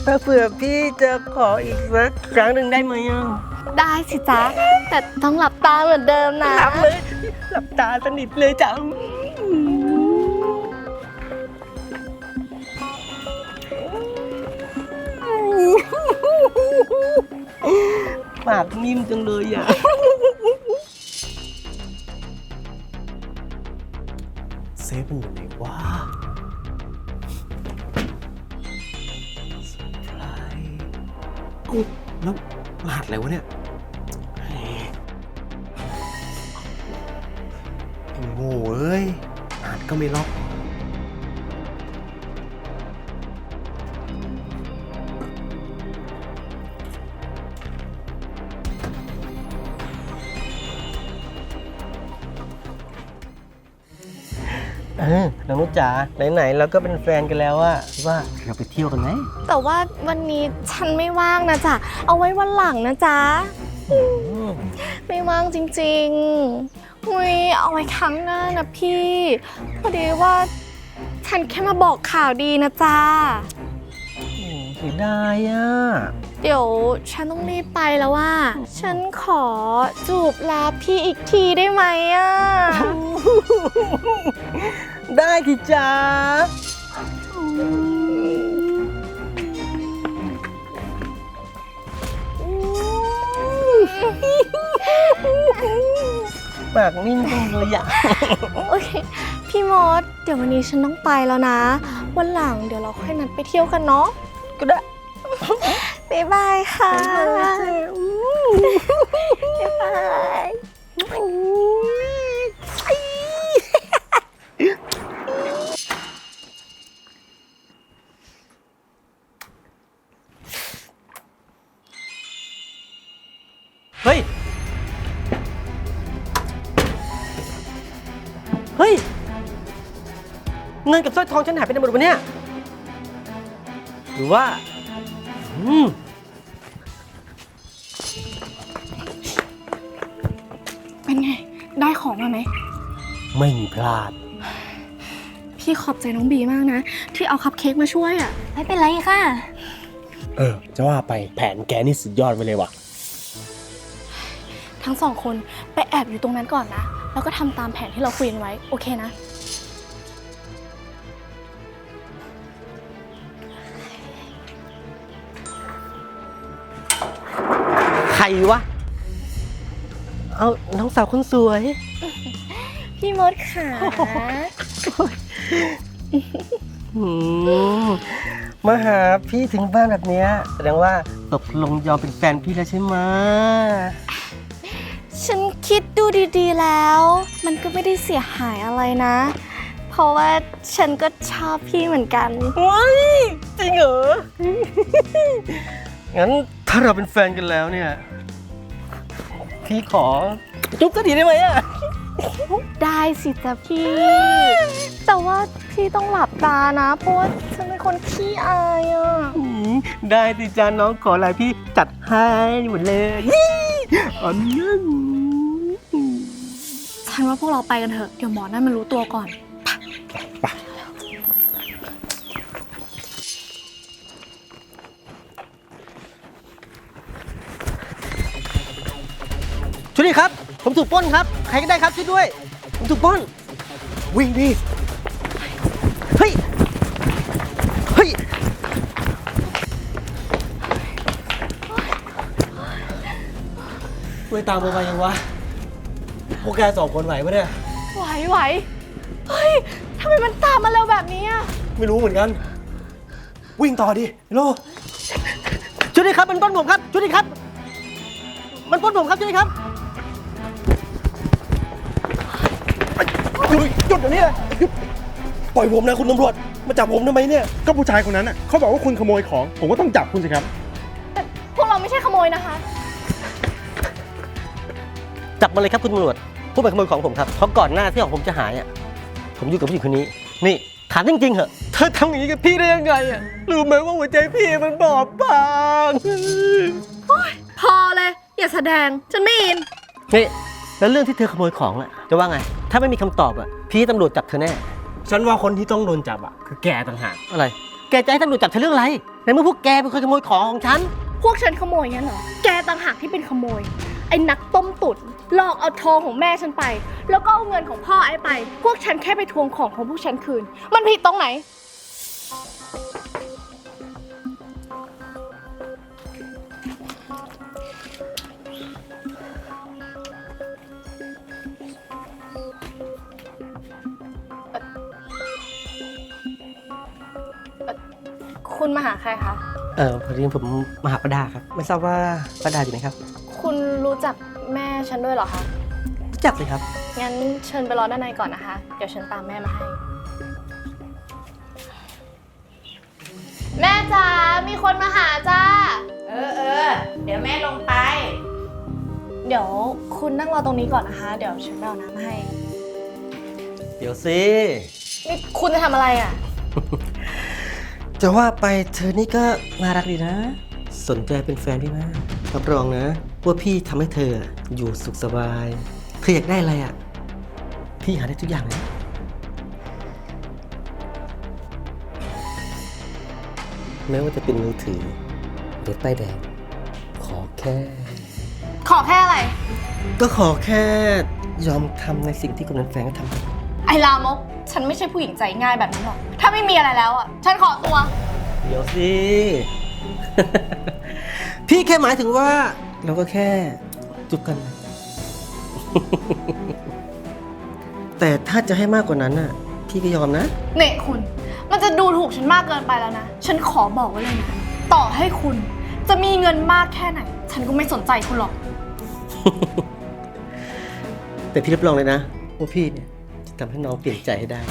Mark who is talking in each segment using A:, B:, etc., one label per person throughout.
A: ถ้าเผื่อพี่จะขออีกสักครั้งหนึ่งได้ไหมอ่ะ
B: ได้สิจ๊ะ แต่ต้องหลับตาเหมือนเดิมนะ
A: หลับเลย หลับตาสนิทเลยจ้ะปากนิ่มจังเลยอ่ะเซฟมันอยู่ไหนวะเซอร์ไพรส์อุ๊ยแล้วรหัสอะไรวะเนี่ยไอ้โง่เอ้ยรหัสก็ไม่ล็อกน้องนุชจ๋าไหนๆเราก็เป็นแฟนกันแล้วอะว่าเราไปเที่ยวกันไหม
B: แต่ว่าวันนี้ฉันไม่ว่างนะจ๊ะ เอาไว้วันหลังนะจ๊ะ ไม่ว่างจริงๆอุ้ยเอาไว้ครั้งหน้านะพี่ พอดีว่าฉันแค่มาบอกข่าวดีนะจ๊ะ
A: เสียดายอะ
B: เดี๋ยวฉันต้องรีบไปแล้วว่า ฉันขอจูบลาพี่อีกทีได้ไหมอ่ะ
A: ได้ทีจ้าปากนิ่งจังเลยอะ
B: โอเค พี่มด เดี๋ยววันนี้ฉันต้องไปแล้วนะ วันหลังเดี๋ยวเราค่อยนัดไปเที่ยวกันเนาะ
A: ก็ได้
B: บ๊ายบายค่ะ บ๊ายบาย
A: เฮ้ย เฮ้ย เงินกับสร้อยทองฉันหายไปไหนหมดวะเนี่ย หรือว่า
B: เป็นไง ได้ของมาไหม
A: ไม่มีพลาด
B: พี่ขอบใจน้องบีมากนะ ที่เอาคัพเค้กมาช่วยอ่ะ
C: ไม่เป็นไรค่ะ
A: จะว่าไปแผนแกนี่สุดยอดไปเลยว่ะ
B: ทั้งสองคนไปแอบอยู่ตรงนั้นก่อนนะ แล้วก็ทำตามแผนที่เราคุยกันไว้ โอเคนะ
A: ใครวะ เอาน้องสาวคนสวย
B: พี่มดค่ะ
A: มาหาพี่ถึงบ้านแบบเนี้ยแสดงว่าตกลงยอมเป็นแฟนพี่แล้วใช่ไหม
B: ฉันคิดดูดีๆแล้ว มันก็ไม่ได้เสียหายอะไรนะ เพราะว่าฉันก็ชอบพี่เหมือนกัน
A: ว้ายจริงเหรอ งั้นถ้าเราเป็นแฟนกันแล้วเนี่ย พี่ขอจุ๊บสักทีได้ไหมอะ
B: ได้สิจ๊ะพี่ แต่ว่าพี่ต้องหลับตานะ เพราะว่าฉันเป็นคนขี้อายอ่ะ
A: ได้สิจ้าน้องขออะไรพี่จัดให้หมดเลยอันนั้น
B: ฉันว่าพวกเราไปกันเถอะ เดี๋ยวหมอนั่นมันรู้ตัวก่อน
A: ช่วยด้วยครับ ผมถูกปล้นครับ ใครก็ได้ครับช่วยด้วย ผมถูกปล้น วิ่งดิ เฮ้ย เฮ้ย ช่วยตามมายังวะ พวกแกสองคนไหวปะเนี่ย
B: ไหวเฮ้ยทำไมมันตามมาเร็วแบบนี้อ่ะ
A: ไม่รู้เหมือนกัน วิ่งต่อดิโลช่วยด้วยครับมันปล้นผมครับช่วยด้วยครับ มันปล้นผมครับช่วยด้วยครับหยุดเดี๋ยวนี้หยุดปล่อยผมนะคุณตำรวจมาจับผมทำไมเนี่ย
D: ก็ผู้ชายคนนั้นน่ะเขาบอกว่าคุณขโมยของ ผมก็ต้องจับคุณสิครับ
B: แต่พวกเราไม่ใช่ขโมยนะคะ
A: จับมาเลยครับคุณตำรวจผู้เป็นขโมยของผมครับเพราะก่อนหน้าที่ของผมจะหายอ่ะผมอยู่กับผู้หญิงคนนี้นี่ถามจริงๆเหอะเธอทำอย่างนี้กับพี่ได้ยังไงอ่ะรู้ไหมว่าหัวใจพี่มันบอบบาง
B: พอเลย อย่าแสดง ฉันไม่อิน
A: นี่แล้วเรื่องที่เธอขโมยของอ่ะจะว่าไงถ้าไม่มีคำตอบอ่ะพี่ให้ตำรวจจับเธอแน่ฉันว่าคนที่ต้องโดนจับอ่ะคือแกต่างหากอะไรแกจะให้ตำรวจจับเธอเรื่องอะไรในเมื่อพวกแกเป็นคนขโมยของของฉัน
B: พวกฉันขโมยงั้นเหรอ แกต่างหากที่เป็นขโมย ไอ้นักต้มตุ๋นหลอกเอาทองของแม่ฉันไป แล้วก็เอาเงินของพ่อไอ้ไป พวกฉันแค่ไปทวงของของพวกฉันคืน มันผิดตรงไหน คุณมาหาใครคะ
A: พอดีผมมาหาป้าดาครับ ไม่ทราบว่าป้าดาอยู่ไหนครับ
B: คุณรู้จักแม่ฉันด้วยเหรอคะ
A: รู้จักเลยครับ
B: งั้นเชิญไปรอด้านในก่อนนะคะ เดี๋ยวฉันตามแม่มาให้ แม่จ๋า มีคนมาหาจ้า
C: เดี๋ยวแม่ลงไป
B: เดี๋ยวคุณนั่งรอตรงนี้ก่อนนะคะ เดี๋ยวฉันไปเอาน้ำมาให้
A: เดี๋ยวสิ
B: นี่คุณจะทำอะไรอ่ะ
A: จะว่าไปเธอนี่ก็น่ารักดีนะ สนใจเป็นแฟนพี่มากรับรองนะว่าพี่ทำให้เธออยู่สุขสบายเธออยากได้อะไรอ่ะ พี่หาได้ทุกอย่างเลยแม้ว่าจะเป็นมือถือรถป้ายแดงขอแค่
B: ขอแค่อะไร
A: ก็ขอแค่ยอมทำในสิ่งที่คนนั้นแฟนก็ทำ
B: ไอ้ลามก ฉันไม่ใช่ผู้หญิงใจง่ายแบบนั้นหรอก ถ้าไม่มีอะไรแล้วอ่ะ ฉันขอตัว
A: เดี๋ยวสิ พี่แค่หมายถึงว่า เราก็แค่จุบกัน แต่ถ้าจะให้มากกว่านั้นน่ะ พี่ก็ยอมนะ
B: เนี่ยคุณ มันจะดูถูกฉันมากเกินไปแล้วนะ ฉันขอบอกไว้เลยนะ ต่อให้คุณจะมีเงินมากแค่ไหน ฉันก็ไม่สนใจคุณหรอก
A: แต่พี่รับรองเลยนะว่าพี่เนี่ยจะทำให้น้องเปลี่ยนใจให้ได้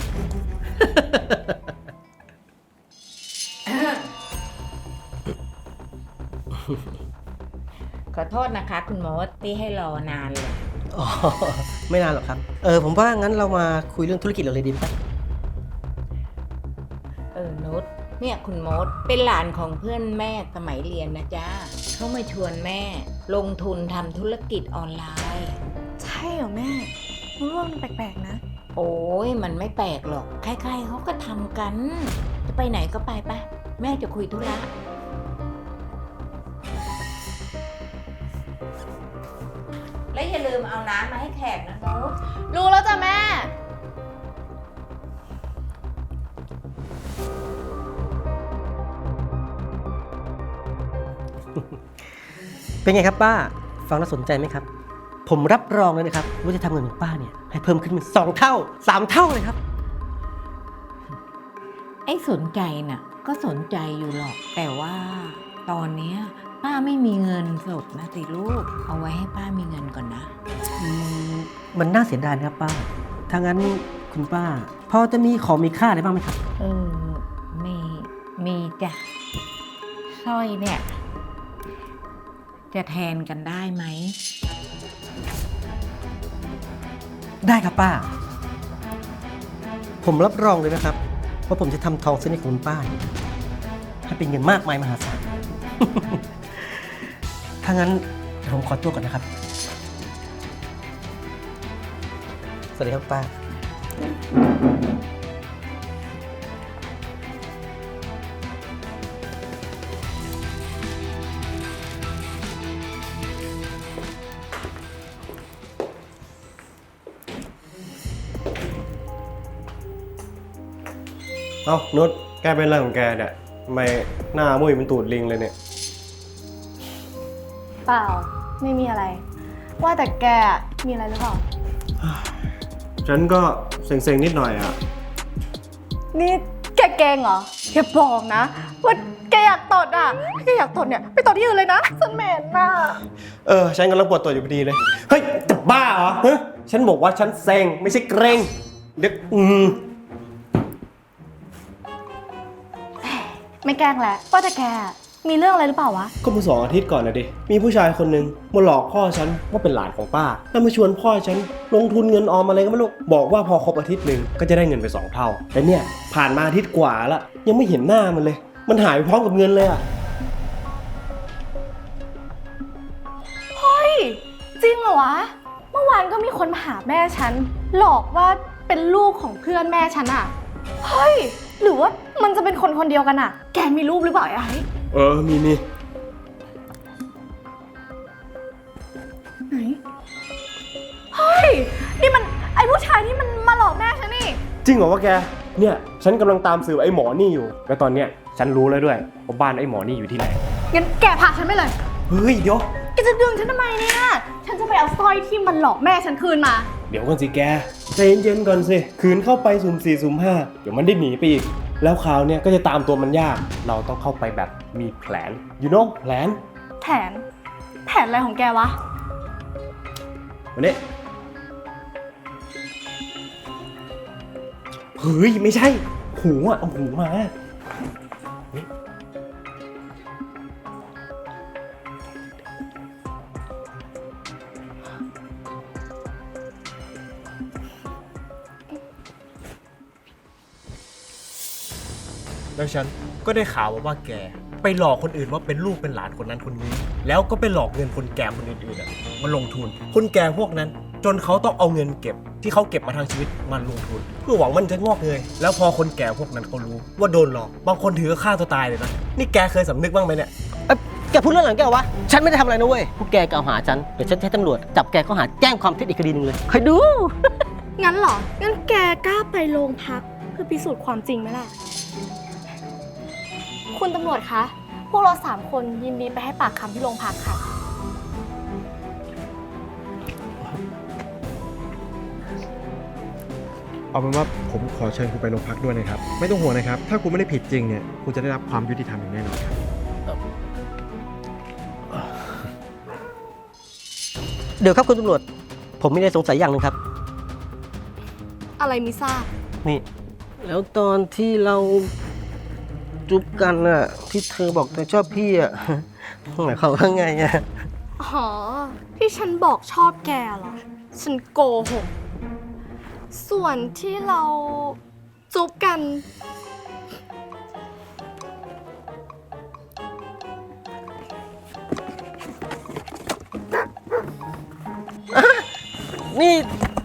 C: ขอโทษนะคะ คุณมดที่ให้รอนานเลย
A: อ๋อ ไม่นานหรอกครับ ผมว่างั้นเรามาคุยเรื่องธุรกิจเราเลยดีไหมครับ
C: นุชเนี่ยคุณมดเป็นหลานของเพื่อนแม่สมัยเรียนนะจ๊ะเขามาชวนแม่ลงทุนทำธุรกิจออนไลน์
B: ใช่เหรอแม่รู้ว่ามันแปลกๆนะ
C: โอ้ยมันไม่แปลกหรอกใครๆเขาก็ทำกัน จะไปไหนก็ไปไปแม่จะคุยธุระและอย่าลืมเอาน้ำมาให้แขกนะนุช
B: รู้แล้วจ้ะแม่
A: เป็นไงครับป้า ฟังแล้วสนใจไหมครับ ผมรับรองเลยนะครับว่าจะทำเงินของป้าเนี่ยให้เพิ่มขึ้นเป็น2 เท่า 3 เท่าเลยครับ
C: ไอ้สนใจน่ะก็สนใจอยู่หรอกแต่ว่าตอนเนี้ยป้าไม่มีเงินสดนะสิลูกเอาไว้ให้ป้ามีเงินก่อนนะ
A: มันน่าเสียดายนะครับป้า ถ้างั้นคุณป้า พอจะมีของมีค่าอะไรบ้างไหมครับ
C: มีจ้ะสร้อยเนี่ยจะแทนกันได้ไหม
A: ได้ครับป้า ผมรับรองเลยนะครับว่าผมจะทำทองเส้นนี้ของคุณป้าเนี่ยให้เป็นเงินมากมายมหาศาล ถ้างั้นเดี๋ยวผมขอตัวก่อนนะครับ สวัสดีครับป้า
D: เอ้านุชแกเป็นอะไรของแกเนี่ยทำไมหน้ามุ้ยเป็นตูดลิงเลยเนี่ย
B: เปล่า ไม่มีอะไร ว่าแต่แกมีอะไรหรือเปล่า
D: ฉันก็เซ็งๆนิดหน่อยอ่ะ
B: นี่แกเก่งเหรออย่าบอกนะว่าแกอยากตดอ่ะถ้าแกอยากตดเนี่ยไปตดที่อื่นเลยนะฉันเหม็นน่ะ
D: ฉันกำลังปวดตัวอยู่พอดีเลย เฮ้ยจะบ้าเหรอฮะฉันบอกว่าฉันเซ็งไม่ใช่เกรงเด็ก
B: ไม่แกล้งแหละว่าแต่แกมีเรื่องอะไรหรือเปล่าวะ
D: ก็เมื่อ2 อาทิตย์ก่อนนะดิ มีผู้ชายคนหนึ่งมาหลอกพ่อฉันว่าเป็นหลานของป้า แล้วมาชวนพ่อฉันลงทุนเงินออมอะไรก็ไม่รู้ บอกว่าพอครบอาทิตย์หนึ่งก็จะได้เงินไป2 เท่า แต่เนี่ยผ่านมาอาทิตย์กว่าละยังไม่เห็นหน้ามันเลย มันหายไปพร้อมกับเงินเลยอ่ะ
B: เฮ้ย จริงเหรอวะ เมื่อวานก็มีคนมาหาแม่ฉัน หลอกว่าเป็นลูกของเพื่อนแม่ฉันอ่ะ เฮ้ยหรือว่ามันจะเป็นคนคนเดียวกันอะแกมีรูปหรือเปล่าไอ้
D: มี
B: ไหน เฮ้ย นี่มันไอ้ผู้ชายที่มันมาหลอกแม่ฉันนี่
D: จริงเหรอวะแก เนี่ยฉันกำลังตามสืบไอ้หมอนี่อยู่ แล้วตอนเนี้ยฉันรู้แล้วด้วยว่าบ้านไอ้หมอนี่อยู่ที่ไหน
B: งั้นแกพาฉันไปเลย
D: เฮ้ยเดี๋ยว
B: แกจะดึงฉันทำไมเนี่ย ฉันจะไปเอาสร้อยที่มันหลอกแม่ฉันคืนมา
D: เดี๋ยวก่อนสิแกใจเย็นๆก่อนสิคืนเข้าไปสุ่ม4สุ่ม5เดี๋ยวมันได้หนีไปอีก แล้วคราวเนี้ยก็จะตามตัวมันยาก เราต้องเข้าไปแบบมีแผน you know แผน
B: แผนอะไรของแกวะ
D: วันนี้เฮ้ยไม่ใช่ หูอ่ะเอาหูมานี่ แล้วฉันก็ได้ข่าวมาว่าแกไปหลอกคนอื่นว่าเป็นลูกเป็นหลานคนนั้นคนนี้ แล้วก็ไปหลอกเงินคนแก่คนอื่นๆมาลงทุน คนแก่พวกนั้น จนเขาต้องเอาเงินเก็บที่เขาเก็บมาทางชีวิตมาลงทุน เพื่อหวังมันจะงอกเงยแล้วพอคนแก่พวกนั้นเขารู้ว่าโดนหลอกบางคนถือฆ่าตัวตายเลยนะนี่แกเคยสำนึกบ้างไหมเนี่ย
A: แกพูดเรื่องหลังแกวะ ฉันไม่ได้ทำอะไรนะเว้ย พวกแกกล่าวหาฉัน เดี๋ยวฉันจะให้ตำรวจจับแกข้อหาแจ้งความเท็จอีกคดีหนึงเลยคอยดู
B: งั้นเหรอ งั้นแกกล้าไปโรงพักเพื่อพิสูจน์ความจริงไหมล่ะ คุณตำรวจคะ พวกเรา3 คนยินดีไปให้ปากคำที่โรงพักค่ะ
E: เอาเป็นว่าผมขอเชิญคุณไปโรงพักด้วยนะครับ ไม่ต้องห่วงนะครับ ถ้าคุณไม่ได้ผิดจริงเนี่ยคุณจะได้รับความยุติธรรมอย่างแน่นอนครับ
A: เดี๋ยวครับคุณตำรวจ ผมมีอะไรสงสัยอย่างหนึงครับ
B: อะไรมิทราบ
A: นี่ แล้วตอนที่เราจุ๊บกันน่ะ ที่เธอบอกเธอชอบพี่อ่ะ หมายความว่าไงอ่ะ
B: อ๋อ ที่ฉันบอกชอบแกเหรอ ฉันโกหก ส่วนที่เราจุ๊บกัน
A: นี่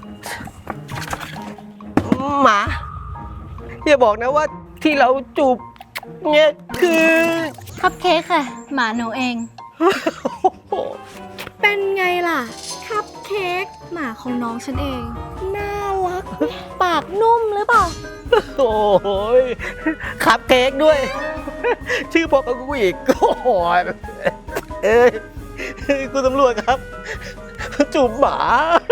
A: หมาอย่าบอกนะว่าที่เราจูบเนี่ยคือ
F: คัพเค้กค่ะ หมาหนูเอง
B: เป็นไงล่ะ คัพเค้กหมาของน้องฉันเอง น่ารัก ปากนุ่มหรือเปล่า
A: โอ้ยขับเค้กด้วย ชื่อพอกับกูอีกโอ้ยเอ้ยคุณตำรวจครับ จูบหมา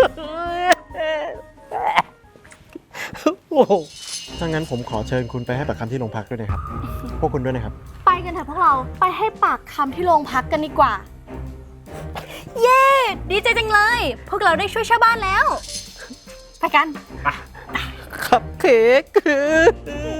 A: โอ้โห
E: ถ้างั้นผมขอเชิญคุณไปให้ปากคำที่โรงพักด้วยนะครับ พวกคุณด้วยนะครับ
B: ไปกันเถอะพวกเรา ไปให้ปากคำที่โรงพักกันดีกว่า เย้ ดีใจจังเลย พวกเราได้ช่วยชาวบ้านแล้ว ไปกัน
A: ขับเค้ก